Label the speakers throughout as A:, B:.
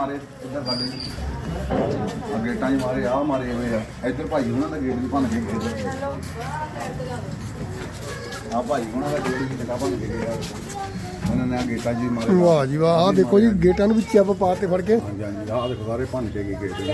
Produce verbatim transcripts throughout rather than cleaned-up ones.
A: मारे इधर साडे गेटा च मारे आ मारे हुए आ इधर भाई हुणां दा गेट भी भन के गए आ भाई हुणां दा गेट भी जगह भन के गए उन्होंने गेटा जी मारे
B: वाह जी वाह आ देखो जी गेटा भी चैप पाते फड़ के
A: हाँ जी हाँ जी आ देखो सारे भन के गए गेट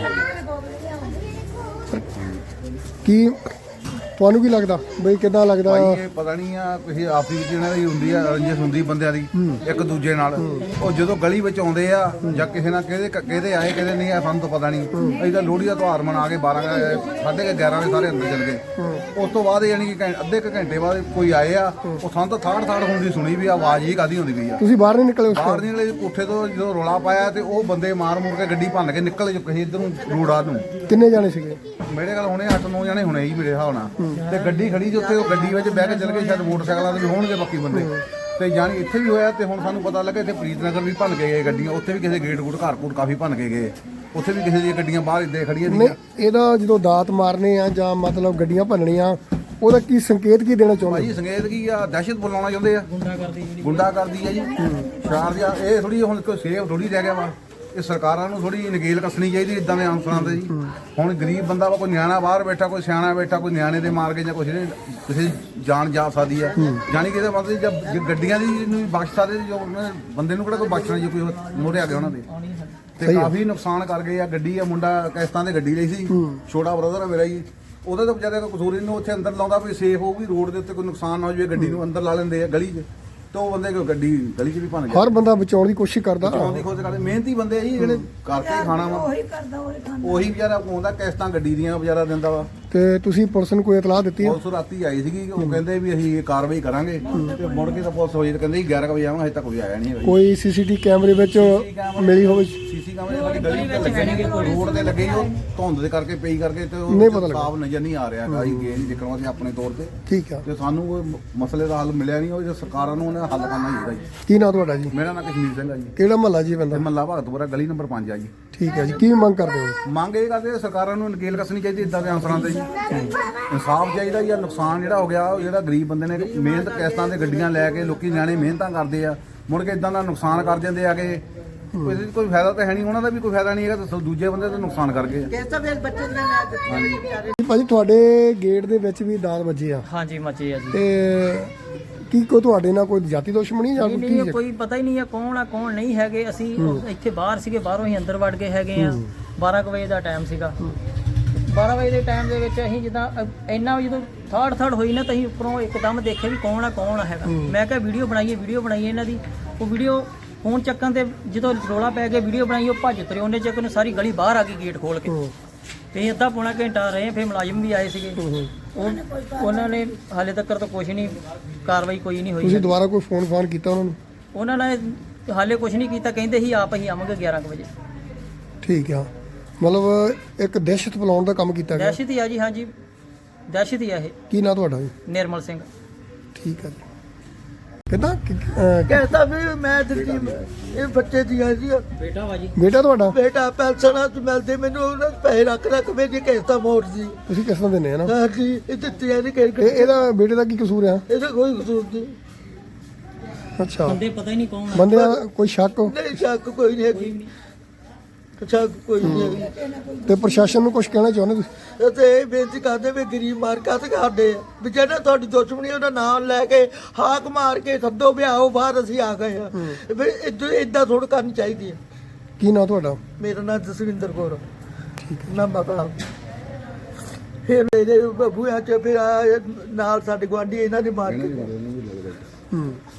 B: की ਤੁਹਾਨੂੰ ਕੀ ਲੱਗਦਾ ਬਈ ਕਿੱਦਾਂ ਲੱਗਦਾ
A: ਭਾਈ ਇਹ ਪਤਾ ਨਹੀਂ ਆ ਕਿਸੇ ਆਪਸੀ ਵਿੱਚ ਇਹਨਾਂ ਦੀ ਹੁੰਦੀ ਆ ਰੰਜਿਸ਼ ਹੁੰਦੀ ਬੰਦਿਆਂ ਦੀ ਇੱਕ ਦੂਜੇ ਨਾਲ ਉਹ ਜਦੋਂ ਗਲੀ ਵਿੱਚ ਆਉਂਦੇ ਆ ਜਾਂ ਕਿਸੇ ਨਾਲ ਕਿਹਦੇ ਕਿਹਦੇ ਆਏ ਕਿਹਦੇ ਨਹੀਂ ਆ ਸਾਨੂੰ ਤਾਂ ਪਤਾ ਨਹੀਂ ਅਸੀਂ ਤਾਂ ਲੋਹੜੀ ਦਾ ਤਿਉਹਾਰ ਮਨਾ ਕੇ ਬਾਰਾਂ ਸਾਢੇ ਗਿਆਰਾਂ ਵਜੇ ਸਾਰੇ ਅੰਦਰ ਚਲ ਗਏ ਉਸ ਤੋਂ ਬਾਅਦ ਯਾਨੀ ਕਿ ਅੱਧੇ ਕੁ ਘੰਟੇ ਬਾਅਦ ਕੋਈ ਆਏ ਆ ਉਹ ਸਾਨੂੰ ਤਾਂ ਥਾੜ ਥਾੜ ਹੁੰਦੀ ਸੁਣੀ ਵੀ ਆਵਾਜ਼ ਹੀ ਕਾਦੀ ਹੁੰਦੀ ਪਈ ਆ
B: ਤੁਸੀਂ ਬਾਹਰ ਨਹੀਂ ਨਿਕਲੇ ਉਸ
A: ਬਾਹਰ ਨਿਕਲੇ ਕੋਠੇ ਤੋਂ ਜਦੋਂ ਰੋਲਾ ਪਾਇਆ ਤੇ ਉਹ ਬੰਦੇ ਮਾਰ ਮੁਰ ਕੇ ਗੱਡੀ ਭੰਨ ਕੇ ਨਿਕਲ ਚੁੱਕੇ ਸੀ ਇੱਧਰ ਨੂੰ ਰੋੜਾ ਨੂੰ
B: ਕਿੰਨੇ ਜਾਣੇ ਸੀਗੇ
A: ਮੇਰੇ ਕੋਲ ਹੁਣੇ ਅੱਠ ਨੌ ਜਣੇ ਹੁਣੇ ਹੀ ਮੇਰੇ ਹਿਸਾਬ ਨਾਲ ਤੇ ਗੱਡੀ ਖੜੀ ਜੀ ਉੱਥੇ ਉਹ ਗੱਡੀ ਵਿੱਚ ਬਹਿ ਕੇ ਚਲ ਗਏ ਸ਼ਾਇਦ ਮੋਟਰਸਾਈਕਲਾਂ ਦੇ ਵੀ ਹੋਣਗੇ ਬਾਕੀ ਬੰਦੇ ਤੇ ਜਾਣੀ ਇੱਥੇ ਵੀ ਹੋਇਆ ਤੇ ਹੁਣ ਸਾਨੂੰ ਪਤਾ ਲੱਗਾ ਇੱਥੇ ਪ੍ਰੀਤਨਗਰ ਵੀ ਭੰਨ ਕੇ ਗਏ ਗੱਡੀਆਂ ਉੱਥੇ ਵੀ ਕਿਸੇ ਗੇਟ ਗੂਟ ਘਰ ਘੂਟ ਕਾਫੀ ਭੰਨ ਕੇ ਗਏ ਉੱਥੇ ਵੀ ਕਿਸੇ ਦੀਆਂ ਗੱਡੀਆਂ ਬਾਹਰ ਇੱਦਾਂ ਖੜੀਆਂ
B: ਨਹੀਂ ਇਹਦਾ ਜਦੋਂ ਦਾਤ ਮਾਰਨੇ ਆ ਜਾਂ ਮਤਲਬ ਗੱਡੀਆਂ ਭੰਨਣੀਆਂ ਉਹਦਾ ਕੀ ਸੰਕੇਤ ਕੀ ਦੇਣਾ ਚਾਹੁੰਦੇ
A: ਭਾਈ ਸੰਕੇਤ ਕੀ ਆ ਦਹਿਸ਼ਤ ਬੁਲਾਉਣਾ ਚਾਹੁੰਦੇ ਆ ਗੁੰਡਾ ਕਰਦੀ ਜਿਹੜੀ ਗੁੰਡਾ ਕਰਦੀ ਆ ਜੀ ਸ਼ਾਰ ਦੀ ਇਹ ਥੋੜੀ ਹੁਣ ਕੋਈ ਸੇਫ ਥੋੜੀ ਰਹਿ ਗਿਆ ਵਾ ਇਹ ਸਰਕਾਰਾਂ ਨੂੰ ਥੋੜੀ ਨਕੇਲ ਕੱਸਣੀ ਚਾਹੀਦੀ ਇਦਾਂ ਦੇ ਅਨਸਰਾਂ ਤੇ ਜੀ ਹੁਣ ਗਰੀਬ ਬੰਦਾ ਵਾ ਕੋਈ ਨਿਆਣਾ ਬਾਹਰ ਬੈਠਾ ਕੋਈ ਸਿਆਣਾ ਬੈਠਾ ਕੋਈ ਨਿਆਣੇ ਦੇ ਮਾਰ ਕੇ ਜਾਂ ਕੁਛ ਕਿਸੇ ਜਾਨ ਜਾ ਸਕਦੀ ਆ ਜਾਣੀ ਕਿ ਇਹਦੇ ਮਤਲਬ ਜੇ ਗੱਡੀਆਂ ਦੀ ਨੂੰ ਬਖਸ਼ ਸਕਦੇ ਜੋ ਬੰਦੇ ਨੂੰ ਕਿਹੜਾ ਕੋਈ ਬਖਸ਼ਣਾ ਜੀ ਕੋਈ ਮੋਰੇ ਆ ਗਿਆ ਉਹਨਾਂ ਦੇ ਤੇ ਕਾਫੀ ਨੁਕਸਾਨ ਕਰ ਗਏ ਆ ਗੱਡੀ ਆ ਮੁੰਡਾ ਕਿਸ਼ਤਾਂ ਤੇ ਗੱਡੀ ਲਈ ਸੀ ਛੋਟਾ ਬ੍ਰਦਰ ਆ ਮੇਰਾ ਜੀ ਉਹਦਾ ਤਾਂ ਵਿਚਾਰੇ ਦਾ ਕਸੂਰ ਇਹਨੂੰ ਉੱਥੇ ਅੰਦਰ ਲਾਉਂਦਾ ਵੀ ਸੇਫ ਹੋਊਗੀ ਰੋਡ ਦੇ ਉੱਤੇ ਕੋਈ ਨੁਕਸਾਨ ਨਾ ਹੋ ਜਾਵੇ ਗੱਡੀ ਨੂੰ ਅੰਦਰ ਲਾ ਲੈਂਦੇ ਆ ਗਲੀ 'ਚ ਤੇ ਉਹ ਬੰਦੇ ਕੋਈ ਗੱਡੀ ਗਲੀ 'ਚ ਵੀ ਭੰਨ ਗਿਆ
B: ਹਰ ਬੰਦਾ ਬਚਾਉਣ ਦੀ ਕੋਸ਼ਿਸ਼ ਕਰਦਾ
A: ਬਚਾਉਣ ਦੀ ਕੋਸ਼ਿਸ਼ ਕਰਦੇ ਮਿਹਨਤੀ ਬੰਦੇ ਆ ਜੀ ਜਿਹੜੇ ਕਰਕੇ ਖਾਣਾ ਵਾ
C: ਉਹੀ ਕਰਦਾ ਉਹੀ ਖਾਂਦਾ
A: ਉਹੀ ਵਿਚਾਰਾ ਆਉਂਦਾ ਕਿਸ਼ਤਾਂ ਗੱਡੀ ਦੀਆਂ ਵਿਚਾਰਾ ਦਿੰਦਾ ਵਾ
B: ਤੇ ਤੁਸੀਂ ਪੁਲਿਸ ਨੂੰ ਕੋਈ ਇਤਲਾਹ ਦਿੱਤੀ ਹੈ
A: ਪੁਲਿਸ ਰਾਤੀ ਆਈ ਸੀਗੀ ਉਹ ਕਹਿੰਦੇ ਵੀ ਅਸੀਂ ਇਹ ਕਾਰਵਾਈ ਕਰਾਂਗੇ ਤੇ ਮੁੜ ਕੇ ਤਾਂ ਪੁਲਿਸ ਹੋਈ ਤੇ ਕਹਿੰਦੇ ਜੀ ਗਿਆਰਾਂ ਵਜੇ ਆਵਾਂਗੇ ਹਜੇ ਤੱਕ ਕੋਈ ਆਇਆ ਨਹੀਂ ਹੈਗਾ
B: ਕੋਈ ਸੀਸੀਟੀ ਕੈਮਰੇ ਵਿੱਚ ਮਿਲੀ ਹੋਵੇ
A: ਸੀਸੀ ਕੈਮਰੇ ਸਾਡੀ ਗਲੀ ਤੇ ਲੱਗੇ ਨੇਗੇ ਰੋਡ ਤੇ ਲੱਗੇ ਉਹ ਧੁੰਦ ਦੇ ਕਰਕੇ ਪਈ ਕਰਕੇ ਤੇ
B: ਨਹੀਂ ਪਤਾ
A: ਉਹ
B: ਲੱਗਾ।
A: ਸਾਫ ਨਜ਼ਰ ਨਹੀਂ ਆ ਰਿਹਾ ਹੈਗਾ ਅਸੀਂ ਗਏ ਨਹੀਂ ਦੇਖਣ ਅਸੀਂ ਆਪਣੇ ਤੌਰ ਤੇ
B: ਠੀਕ ਆ
A: ਤੇ ਸਾਨੂੰ ਕੋਈ ਮਸਲੇ ਦਾ ਹੱਲ ਮਿਲਿਆ ਨਹੀਂ ਉਹ ਜੇ ਸਰਕਾਰਾਂ ਨੂੰ ਉਹਨੇ ਹੱਲ ਕਰਨਾ ਚਾਹੀਦਾ ਜੀ
B: ਕੀ ਨਾਂ ਤੁਹਾਡਾ ਜੀ
A: ਮੇਰਾ ਨਾਮ ਕਸ਼ਮੀਰ ਸਿੰਘ ਆ ਜੀ
B: ਕਿਹੜਾ ਮਹੱਲਾ ਜੀ ਬੰਦਾ
A: ਮੱਲਾ ਭਗਤਪੁਰਾ ਗਲੀ ਨੰਬਰ ਪੰਜ ਆ ਜੀ
B: ਠੀਕ ਹੈ ਜੀ ਕੀ ਮੰਗ ਕਰਦੇ ਹੋ
A: ਮੰਗ ਇਹ ਕਰਦੇ ਸਰਕਾਰਾਂ ਨੂੰ ਨਕੇਲ ਕੱਸਣੀ ਚਾਹੀਦੀ ਇਦਾਂ ਦੇ ਅਨਸਰਾਂ ਤੇ ਜੀ ਇਨਸਾਫ ਚਾਹੀਦਾ ਜਾਂ ਨੁਕਸਾਨ ਜਿਹੜਾ ਹੋ ਗਿਆ ਉਹ ਜਿਹੜਾ ਗਰੀਬ ਬੰਦੇ ਨੇ ਮਿਹਨਤ ਕਿਸ਼ਤਾਂ ਤੇ ਗੱਡੀਆਂ ਲੈ ਕੇ ਲੋਕੀ ਨਿਆਣੇ ਮਿਹਨਤਾਂ ਕਰਦੇ ਆ ਮੁੜ ਕੇ ਇਦਾਂ ਦਾ ਨੁਕਸਾਨ ਕਰ ਜਾਂਦੇ ਆ ਕਿ ਕੋਈ ਕੋਈ ਫਾਇਦਾ ਤਾਂ ਹੈ ਨਹੀਂ ਉਹਨਾਂ ਦਾ ਵੀ ਕੋਈ ਫਾਇਦਾ ਨਹੀਂ ਹੈਗਾ ਤੇ ਦੂਜੇ ਬੰਦੇ ਦਾ ਨੁਕਸਾਨ ਕਰ ਗਏ
C: ਕਿਸਾ ਫਿਰ ਬੱਚੇ ਨੇ ਨਾ ਦਿੱਤੀ
B: ਭਾਜੀ ਤੁਹਾਡੇ ਗੇਟ ਦੇ ਵਿੱਚ ਵੀ ਦਾਤ ਵੱਜੇ ਆ
D: ਹਾਂਜੀ ਮੱਚੇ ਆ ਜੀ
B: ਤੇ ਕੀ ਕੋ ਤੁਹਾਡੇ ਨਾਲ ਕੋਈ ਜਾਤੀ ਦੁਸ਼ਮਣੀ ਜਾਂ
D: ਨਹੀਂ
B: ਕੋਈ
D: ਨਹੀਂ
B: ਕੀ
D: ਕੋਈ ਪਤਾ ਹੀ ਨਹੀਂ ਆ ਕੌਣ ਆ ਕੌਣ ਨਹੀਂ ਹੈਗੇ ਅਸੀਂ ਇੱਥੇ ਬਾਹਰ ਸੀਗੇ ਬਾਹਰੋਂ ਹੀ ਅੰਦਰ ਵੜ ਗਏ ਹੈਗੇ ਆ ਬਾਰਾਂ ਕੁ ਵਜੇ ਦਾ ਟਾਈਮ ਸੀਗਾ ਬਾਰਾਂ ਵਜੇ ਦੇ ਟਾਈਮ ਦੇ ਵਿੱਚ ਅਸੀਂ ਜਿੱਦਾਂ ਅ- ਇੰਨਾ ਜਦੋਂ ਥਰਡ ਥਰਡ ਹੋਈ ਨਾ ਤਾਂ ਅਸੀਂ ਉੱਪਰੋਂ ਇੱਕਦਮ ਦੇਖਿਆ ਵੀ ਕੌਣ ਆ ਕੌਣ ਆ ਹੈਗਾ ਮੈਂ ਕਿਹਾ ਵੀਡੀਓ ਬਣਾਈਏ ਵੀਡੀਓ ਬਣਾਈਏ ਇਹਨਾਂ ਦੀ ਉਹ ਵੀਡੀਓ ਫੋਨ ਚੱਕਣ ਤੇ ਜਦੋਂ ਰੋਲਾ ਪੈ ਗਿਆ ਵੀਡੀਓ ਬਣਾਈ ਉਹ ਭੱਜ ਤੁਰੇ ਉਹਨੇ ਚੱਕ ਨੂੰ ਸਾਰੀ ਗਲੀ ਬਾਹਰ ਆ ਗਈ ਗੇਟ ਖੋਲ ਕੇ ਤੇ ਅੱਧਾ ਪੌਣਾ ਘੰਟਾ ਰਹੇ ਫਿਰ ਮੁਲਾਜ਼ਮ ਵੀ ਆਏ ਸੀਗੇ ਉਹ ਉਹਨਾਂ ਨੇ ਹਾਲੇ ਤੱਕ ਤਾਂ ਕੁਝ ਨਹੀਂ ਕਾਰਵਾਈ ਕੋਈ ਨਹੀਂ ਹੋਈ
B: ਤੁਸੀਂ ਦੁਬਾਰਾ ਕੋਈ ਫੋਨ ਫਾਨ ਕੀਤਾ ਉਹਨਾਂ ਨੂੰ
D: ਉਹਨਾਂ ਨੇ ਹਾਲੇ ਕੁਝ ਨਹੀਂ ਕੀਤਾ ਕਹਿੰਦੇ ਸੀ ਆਪ ਅਸੀਂ ਆਵਾਂਗੇ ਗਿਆਰਾਂ ਕੁ ਵਜੇ
B: ਠੀਕ ਆ ਮਤਲਬ ਇੱਕ ਦਹਿਸ਼ਤ ਫੈਲਾਉਣ ਦਾ ਕੰਮ ਕੀਤਾ ਗਿਆ
D: ਦਹਿਸ਼ਤ ਹੀ ਆ ਜੀ ਹਾਂਜੀ ਦਹਿਸ਼ਤ ਹੀ ਆ ਇਹ
B: ਕੀ ਨਾਂ ਤੁਹਾਡਾ ਜੀ
D: ਨਿਰਮਲ ਸਿੰਘ
B: ਠੀਕ ਆ ਜੀ ਕਿੱਦਾਂ ਕਿ- ਅਹ,
C: ਕਹਿੰਦਾ ਵੀ ਮੈਂ ਦਿੱਤੀ ਇਹ ਬੱਚੇ ਦੀਆਂ ਜੀ
D: ਬੇਟਾ ਵਾ ਜੀ
B: ਬੇਟਾ ਤੁਹਾਡਾ
C: ਬੇਟਾ ਪੈਨਸ਼ਨਾਂ ਚ ਮਿਲਦੇ ਮੈਨੂੰ ਉਹਨਾਂ ਦੇ ਪੈਸੇ ਰੱਖ ਰੱਖ ਮੇਰੀ ਕਿਸ਼ਤਾਂ ਮੋੜ ਜੀ
B: ਤੁਸੀਂ ਕਿਸ ਤਰ੍ਹਾਂ ਦਿੰਦੇ ਆ ਨਾ
C: ਹਾਂ ਜੀ ਇਹ ਦਿੱਤੀਆਂ ਨਹੀਂ ਕਿ
B: ਇਹ ਇਹਦਾ ਬੇਟੇ ਦਾ ਕੀ ਕਸੂਰ ਆ
C: ਇਹਦਾ ਕੋਈ ਕਸੂਰ ਨਹੀਂ
B: ਅੱਛਾ
D: ਬੰਦੇ ਪਤਾ ਹੀ ਨਹੀਂ ਕੌਣ ਆ
B: ਬੰਦੇ ਦਾ ਕੋਈ ਸ਼ੱਕ
C: ਨਹੀਂ ਸ਼ੱਕ ਕੋਈ ਨਹੀਂ ਹੈਗੀ ਸ਼ੱਕ ਕੋਈ ਨਹੀਂ ਹੈਗੀ
B: ਤੇ ਪ੍ਰਸ਼ਾਸਨ ਨੂੰ ਕੁਝ ਕਹਿਣਾ ਚਾਹੁੰਦੇ ਤੁਸੀਂ
C: ਤੇ ਇਹ ਬੇਨਤੀ ਕਰਦੇ ਵੀ ਗਰੀਬ ਮਾਰ ਕਾਹਤੇ ਕਰਦੇ ਆ ਵੀ ਜਿਹੜਾ ਤੁਹਾਡੀ ਦੁਸ਼ਮਣੀ ਉਹਦਾ ਨਾਮ ਲੈ ਕੇ ਹਾਕ ਮਾਰ ਕੇ ਸੱਦੋ ਵਿਆਹੋ ਬਾਹਰ ਅਸੀਂ ਆ ਗਏ ਆ ਵੀ ਇਦਾਂ ਇਦਾਂ ਥੋੜ੍ਹਾ ਕਰਨੀ ਚਾਹੀਦੀ ਹੈ
B: ਕੀ ਨਾਂ ਤੁਹਾਡਾ
C: ਮੇਰਾ ਨਾਮ ਜਸਵਿੰਦਰ ਕੌਰ ਠੀਕ ਹੈ ਨਾ ਮਕਲਾ ਫਿਰ ਮੇਰੇ ਬਬੂਆਂ ਚ ਫਿਰ ਆਇਆ ਨਾਲ ਸਾਡੇ ਗੁਆਂਢੀ ਇਹਨਾਂ ਨੇ ਮਾਰ ਕੇ
B: ਹੂੰ